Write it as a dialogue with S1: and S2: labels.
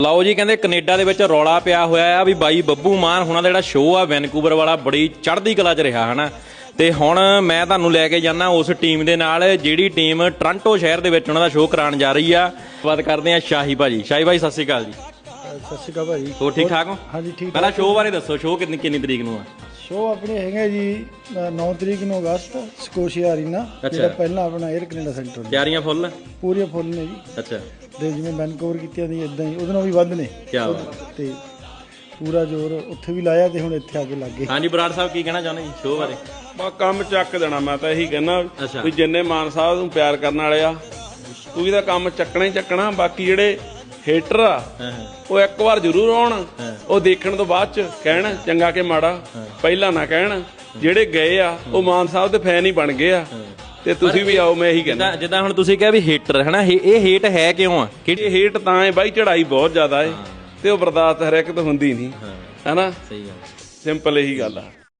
S1: ਲਓ ਜੀ, ਕਹਿੰਦੇ ਕੈਨੇਡਾ ਦੇ ਵਿੱਚ ਰੌਲਾ ਪਿਆ ਹੋਇਆ ਆ ਵੀ ਬਾਈ ਬੱਬੂ ਮਾਨ ਹੁਣਾਂ ਦਾ ਜਿਹੜਾ ਸ਼ੋਅ ਆ ਵੈਨਕੂਵਰ ਵਾਲਾ ਬੜੀ ਚੜ੍ਹਦੀ ਕਲਾ 'ਚ ਰਿਹਾ ਹਨਾ। ਤੇ ਹੁਣ ਮੈਂ ਤੁਹਾਨੂੰ ਲੈ ਕੇ ਜਾਣਾ ਉਸ ਟੀਮ ਦੇ ਨਾਲ ਜਿਹੜੀ ਟੀਮ ਟੋਰਾਂਟੋ ਸ਼ਹਿਰ ਦੇ ਵਿੱਚ ਉਹਨਾਂ ਦਾ ਸ਼ੋਅ ਕਰਾਉਣ ਜਾ ਰਹੀ ਆ। ਬਾਤ ਕਰਦੇ ਆ ਸ਼ਾਹੀ ਭਾਜੀ। ਸ਼ਾਹੀ ਭਾਈ ਸਤਿ ਸ਼੍ਰੀ ਅਕਾਲ ਜੀ।
S2: ਸਤਿ ਸ਼੍ਰੀ ਅਕਾਲ ਭਾਜੀ।
S1: ਹੋਰ ਠੀਕ ਠਾਕ ਹੋ?
S2: ਹਾਂਜੀ ਠੀਕ।
S1: ਪਹਿਲਾਂ ਸ਼ੋਅ ਬਾਰੇ ਦੱਸੋ, ਸ਼ੋਅ ਕਿੰਨੀ ਤਰੀਕ ਨੂੰ ਆ?
S2: ਸ਼ੋਅ ਆਪਣੇ ਹੈਗਾ ਜੀ 9 ਤਰੀਕ ਨੂੰ ਅਗਸਤ ਸਕੋਸ਼ੀਆ ਅਰੀਨਾ, ਜਿਹੜਾ ਪਹਿਲਾਂ ਆਪਣਾ 에ਅਰ ਕੈਨੇਡਾ ਸੈਂਟਰ।
S1: ਤਿਆਰੀਆਂ ਫੁੱਲ?
S2: ਪੂਰੀਆਂ ਫੁੱਲ ਨੇ ਜੀ।
S1: ਅੱਛਾ।
S2: ਤੇ ਜਿਵੇਂ ਵੈਨਕੂਵਰ ਕੀਤੀਆਂ ਦੀ ਇਦਾਂ ਹੀ ਉਹਦੇ ਨਾਲ ਵੀ ਵੱਧ ਨੇ।
S1: ਕੀ ਬਾਤ।
S2: ਤੇ ਪੂਰਾ ਜ਼ੋਰ ਉੱਥੇ ਵੀ ਲਾਇਆ ਤੇ ਹੁਣ ਇੱਥੇ ਆ ਕੇ ਲੱਗ ਗਏ।
S1: ਹਾਂਜੀ ਬਰਾੜ ਸਾਹਿਬ ਕੀ ਕਹਿਣਾ ਚਾਹੁੰਦੇ ਜੀ ਸ਼ੋਅ ਬਾਰੇ?
S3: ਬਸ ਕੰਮ ਚੱਕ ਦੇਣਾ। ਮੈਂ ਤਾਂ ਇਹੀ ਕਹਿਣਾ ਵੀ ਜਿੰਨੇ ਮਾਨ ਸਾਹਿਬ ਨੂੰ ਪਿਆਰ ਕਰਨ ਵਾਲੇ ਆ ਤੂੰ ਇਹਦਾ ਕੰਮ ਚੱਕਣਾ ਹੀ ਚੱਕਣਾ। ਬਾਕੀ ਜਿਹੜੇ ਹੇਟਰ ਆ ਉਹ ਇੱਕ ਵਾਰ ਜ਼ਰੂਰ ਆਉਣ, ਉਹ ਦੇਖਣ ਤੋਂ ਬਾਅਦ ਚ ਕਹਿਣ ਚੰਗਾ ਕਿ ਮਾੜਾ, ਪਹਿਲਾਂ ਨਾ ਕਹਿਣ। ਜਿਹੜੇ ਗਏ ਆ ਉਹ ਮਾਨ ਸਾਹਿਬ ਦੇ ਫੈਨ ਹੀ ਬਣ ਗਏ ਆ ਤੇ ਤੁਸੀਂ ਵੀ ਆਓ। ਮੈਂ ਇਹੀ ਕਹਿੰਦਾ
S1: ਜਿੱਦਾਂ ਹੁਣ ਤੁਸੀਂ ਕਿਹਾ ਵੀ ਹੇਟਰ ਹਨਾ, ਇਹ ਹੇਟ ਹੈ ਕਿਉਂ ਆ?
S3: ਕਿ ਹੇਟ ਤਾਂ ਹੈ ਬਾਈ, ਚੜਾਈ ਬਹੁਤ ਜ਼ਿਆਦਾ ਏ ਤੇ ਉਹ ਬਰਦਾਸ਼ਤ ਹਰ ਇੱਕ ਤੋਂ ਹੁੰਦੀ ਨਹੀਂ, ਹੈਨਾ।
S1: ਸਹੀ ਗੱਲ,
S3: ਸਿੰਪਲ ਇਹੀ ਗੱਲ ਆ।